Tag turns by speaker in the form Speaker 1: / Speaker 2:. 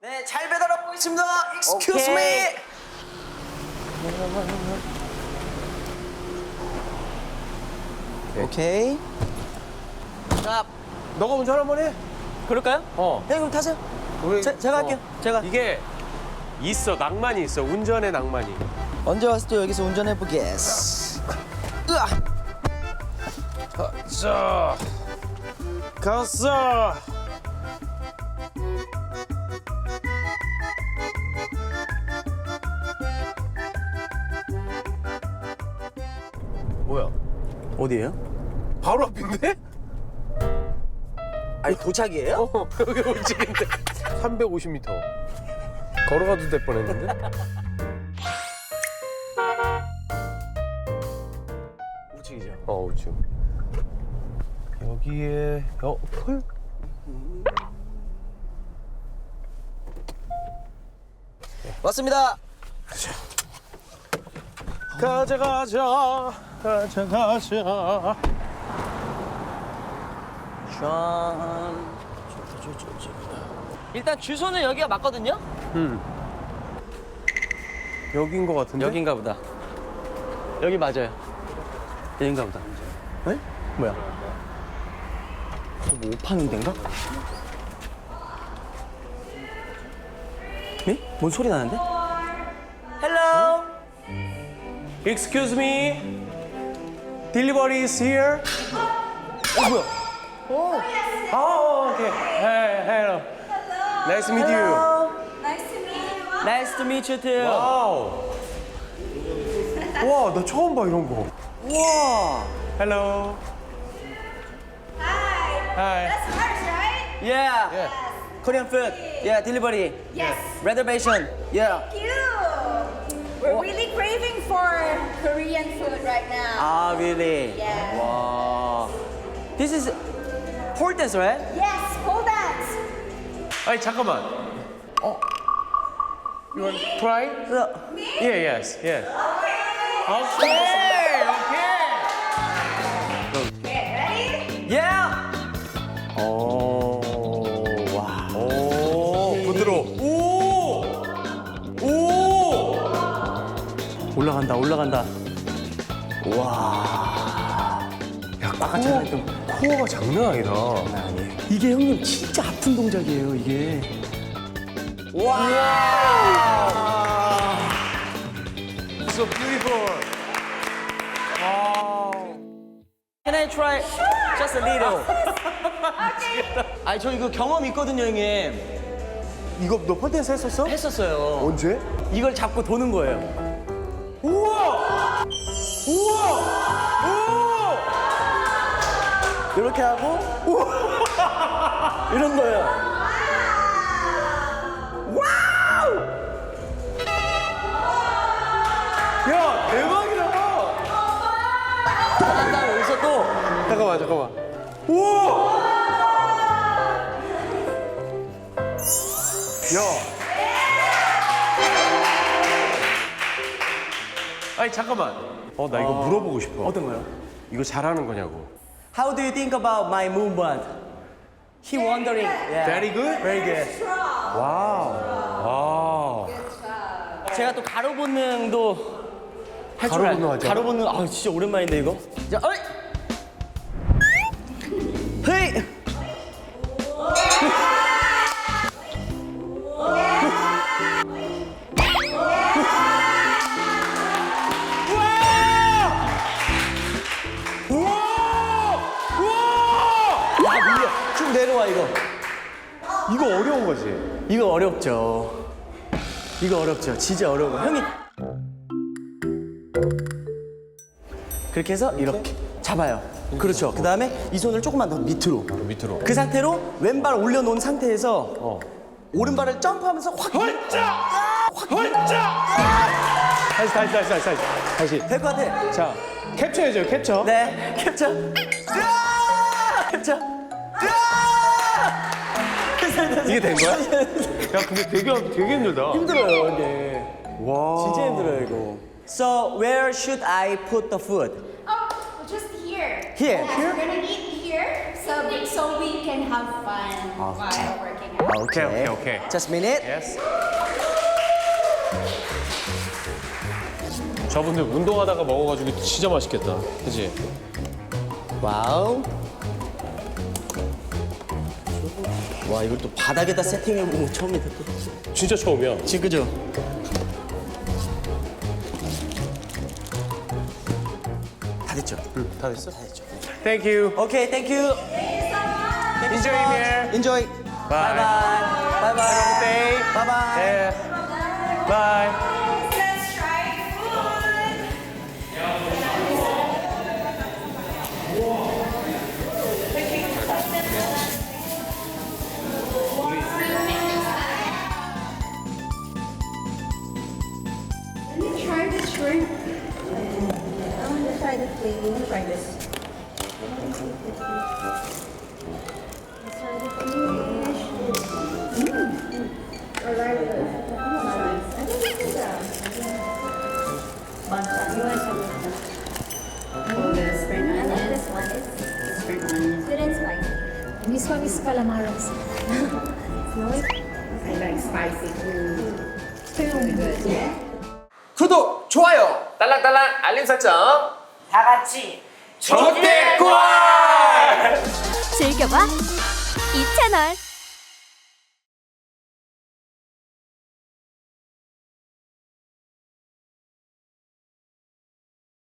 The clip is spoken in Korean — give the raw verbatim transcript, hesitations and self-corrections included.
Speaker 1: 네, 잘 배달하고 있습니다. Excuse me. 오케이. 자,
Speaker 2: 너가 운전 한번 해.
Speaker 1: 그럴까요?
Speaker 2: 어.
Speaker 1: 형 그럼 타세요.
Speaker 2: 우리,
Speaker 1: 제, 제가 할게요. 제가.
Speaker 2: 이게 있어, 낭만이 있어. 운전의 낭만이.
Speaker 1: 언제 와서 또 여기서 운전해 보겠어. 으아.
Speaker 2: 자, 갔어. 뭐야?
Speaker 1: 어디예요?
Speaker 2: 바로 앞인데?
Speaker 1: 아니 도착이에요?
Speaker 2: 어, 여기 우측인데. 삼백오십 미터. 걸어가도 될 뻔했는데?
Speaker 1: 우측이죠.
Speaker 2: 어, 우측. 여기에 어, 펄?
Speaker 1: 왔습니다.
Speaker 2: 가자 가자 가자 가자.
Speaker 1: 짠. 일단 주소는 여기가 맞거든요?
Speaker 2: 음. 여긴 것 같은데?
Speaker 1: 여긴가 보다. 여기 맞아요. 여긴가 보다. 에? 뭐야? 뭐 오파는 데인가? 에? 뭔 소리 나는데? Hello.
Speaker 2: Excuse me. Delivery is here. 어, 뭐야? 오. 아, 오케이. Hey, hello. Nice to meet you.
Speaker 1: Hello.
Speaker 3: Nice to meet you.
Speaker 1: Nice to meet you too.
Speaker 2: 와우. 와, 나 처음 봐 이런 거.
Speaker 1: 우와.
Speaker 2: Hello.
Speaker 3: Hi.
Speaker 2: Hi.
Speaker 3: That's hers, right?
Speaker 1: Yeah.
Speaker 2: Yeah.
Speaker 1: Korean food. Yeah, delivery.
Speaker 3: Yes.
Speaker 1: Reservation. Yeah.
Speaker 3: Thank you. We're really craving for Korean food right now.
Speaker 1: Ah, really?
Speaker 3: Yeah.
Speaker 1: Wow. This is pole dance, right?
Speaker 3: Yes, pole dance.
Speaker 2: 아니 잠깐만. 어. You want to try?
Speaker 1: So,
Speaker 2: Yeah, yes, yes.
Speaker 3: Okay.
Speaker 2: 오케이, 오케이.
Speaker 3: Okay, ready?
Speaker 1: yeah. 오, 와.
Speaker 2: 오, 부드러워. 오, 오.
Speaker 1: 올라간다, 올라간다. 와.
Speaker 2: 야, 아까 제가 했던 코어가 장난 아니다.
Speaker 1: 아니에요. 이게 형님 진짜 아픈 동작이에요, 이게. 와.
Speaker 2: So beautiful. 와.
Speaker 1: Can I try just a little? 아니 저 이거 경험 있거든요, 형님.
Speaker 2: 이거 너 폴댄스 했었어?
Speaker 1: 했었어요.
Speaker 2: 언제?
Speaker 1: 이걸 잡고 도는 거예요.
Speaker 2: 우와! 우와! 우와!
Speaker 1: 이렇게 하고 이런 거예요. 와우!
Speaker 2: 야, 대박이다.
Speaker 1: 한 다음에 여기서 또
Speaker 2: 잠깐만, 잠깐만. 우와! 야. 아니, 잠깐만. 어, 나 이거 물어보고 싶어.
Speaker 1: 어떤 거요?
Speaker 2: 이거 잘하는 거냐고.
Speaker 1: How do you think about my movement? He wondering. Yeah.
Speaker 2: Very good?
Speaker 1: Very good.
Speaker 3: Strong.
Speaker 2: 와우. 와우.
Speaker 1: 제가 또 가로 본능도 할 줄
Speaker 2: 가로
Speaker 1: 알.
Speaker 2: 본능 하죠?
Speaker 1: 가로 본능. 아 진짜 오랜만인데 이거. 자, 어이. 헤이. 아 밀려. 쭉 내려와 이거.
Speaker 2: 이거 어려운 거지?
Speaker 1: 이거 어렵죠. 이거 어렵죠. 진짜 어려워. 형님. 그렇게 해서 이렇게 잡아요. 그렇죠. 그 다음에 이 손을 조금만 더 밑으로.
Speaker 2: 밑으로.
Speaker 1: 그 상태로 왼발 올려놓은 상태에서
Speaker 2: 어.
Speaker 1: 오른발을 점프하면서 확.
Speaker 2: 헐짜! 헐짜! 다시, 다시, 다시, 다시, 다시. 다시.
Speaker 1: 될 것 같아.
Speaker 2: 자, 캡처해줘요, 캡처.
Speaker 1: 네. 캡처. 으아! 캡처. 으아!
Speaker 2: 이게 된 거야? 야, 근데 되게, 되게 힘들다.
Speaker 1: 힘들어요, 이게.
Speaker 2: 와.
Speaker 1: 진짜 힘들어요, 이거. So where should I put the food?
Speaker 3: Oh, just here.
Speaker 1: Here?
Speaker 3: Yes, we're gonna eat here. here so we, so we can have fun while working out.
Speaker 2: 오케이, 오케이, 오케이.
Speaker 1: Just a minute.
Speaker 2: Yes. 저분들 운동하다가 먹어가지고 진짜 맛있겠다. 그치?
Speaker 1: 와우. 와, 이걸 또 바닥에다 세팅해보고 처음이다. 또.
Speaker 2: 진짜 처음이야.
Speaker 1: 지금 그죠? 다 됐죠?
Speaker 2: 응, 다 됐어?
Speaker 1: 다 됐죠.
Speaker 2: Thank you.
Speaker 1: 오케이, 땡큐.
Speaker 2: Enjoy here.
Speaker 1: Enjoy.
Speaker 2: Bye.
Speaker 1: 바이바이. 바이바이.
Speaker 2: Stay.
Speaker 1: 바이바이.
Speaker 2: Yeah. Bye.
Speaker 3: Let's try food. Let me try the shrimp. I want to try the flavor. Try this. Let's try the fish. Mm. I like it. Nice. I think this is a bancha. You want some? Oh, the spring onion. I like this one. It's spring onion. Sweet and spicy.
Speaker 4: Miss ko, miss calamaros.
Speaker 3: I like spicy food. It's really good. Yeah.
Speaker 2: 구독, 좋아요, 딸랑딸랑 알림 설정.
Speaker 1: 다 같이.
Speaker 2: 조대권!
Speaker 5: 즐겨봐 이 채널.